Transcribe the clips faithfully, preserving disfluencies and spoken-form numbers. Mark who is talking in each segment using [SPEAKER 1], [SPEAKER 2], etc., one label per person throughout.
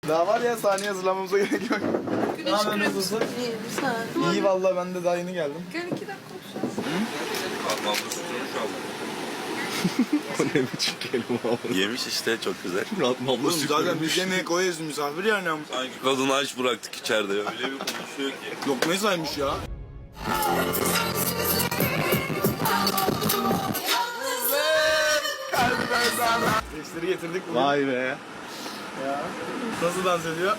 [SPEAKER 1] Daha var ya, saniye hazırlamamıza gerek yok.
[SPEAKER 2] Güneş kremi.
[SPEAKER 1] Nasılsın?
[SPEAKER 2] İyi, sen.
[SPEAKER 1] İyi vallahi, ben de daha yeni geldim.
[SPEAKER 2] Gel iki dakika konuşalım.
[SPEAKER 3] Ablam da sütünü çaldı.
[SPEAKER 4] O ne biçim kelime abi?
[SPEAKER 3] Yemiş işte, çok güzel.
[SPEAKER 4] Abla
[SPEAKER 1] Oğlum
[SPEAKER 4] süt
[SPEAKER 1] zaten
[SPEAKER 4] vermiş.
[SPEAKER 1] biz yemeğe koyuyoruz, misafir yani.
[SPEAKER 3] Sanki kadını aç bıraktık içeride. Öyle bir konuşuyor ki.
[SPEAKER 1] Lokmayı saymış ya. Gençleri getirdik bugün.
[SPEAKER 4] Vay be.
[SPEAKER 1] Ya. Nasıl dans ediyor?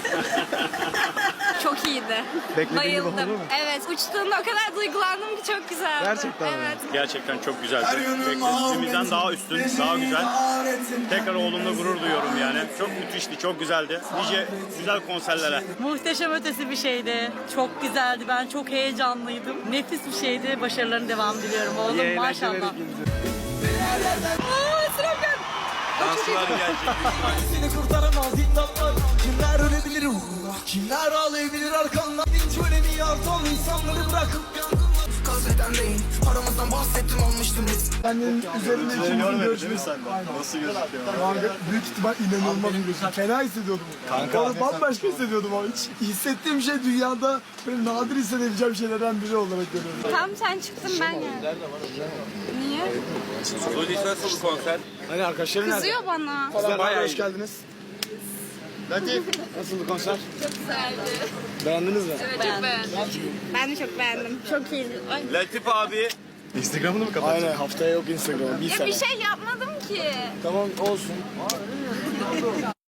[SPEAKER 5] Çok iyiydi.
[SPEAKER 4] Beklediğin gibi oldu
[SPEAKER 5] Bayıldım.
[SPEAKER 4] mu?
[SPEAKER 5] Evet, uçtuğunda o kadar duygulandım ki çok güzeldi.
[SPEAKER 4] Gerçekten mi?
[SPEAKER 5] Evet.
[SPEAKER 6] Gerçekten çok güzeldi. Beklediğimizden daha üstün, daha güzel. Tekrar oğlumla gurur duyuyorum yani. Çok müthişti, çok güzeldi. Nice güzel konserlere.
[SPEAKER 7] Muhteşem ötesi bir şeydi. Çok güzeldi. Ben çok heyecanlıydım. Nefis bir şeydi. Başarıların devamı diliyorum oğlum. Maşallah.
[SPEAKER 3] Danslar gelecek.
[SPEAKER 8] Seni kurtaramaz diktatlar. Kimler ölebilir uğruna? Kimler ağlayabilir arkandan? Hiç önemi yardan insanları bırakıp yangınlar. Gazeten değil, aramızdan bahsettim almıştım biz.
[SPEAKER 1] Senin üzerinde ikimizin görüşmesi.
[SPEAKER 4] Nasıl gözüküyor?
[SPEAKER 1] Kanka büyük ihtimal inanılmaz bir görüşme. Fena hissediyordum. Kanka. Oğlum bambaşka hissediyordum ama hiç hissettiğim şey dünyada böyle nadir hissedebileceğim şeylerden biri olarak görüyorum.
[SPEAKER 5] Tam sen çıktın ben geldim. Niye?
[SPEAKER 3] Solis nasıl konser?
[SPEAKER 1] Hani arkadaşların nerede?
[SPEAKER 5] Kızıyor bana.
[SPEAKER 1] Kızlar bayağı hoş geldiniz. Latif, nasıldı konser?
[SPEAKER 5] Çok güzeldi.
[SPEAKER 1] Beğendiniz mi?
[SPEAKER 5] Evet, çok beğendim. Ben de çok beğendim. Çok iyiydi. Ay.
[SPEAKER 3] Latif abi.
[SPEAKER 4] Instagram'ını mı kapatacak?
[SPEAKER 1] Aynen, haftaya yok Instagram. Bir
[SPEAKER 5] Ya
[SPEAKER 1] sene.
[SPEAKER 5] bir şey yapmadım ki.
[SPEAKER 1] Tamam olsun.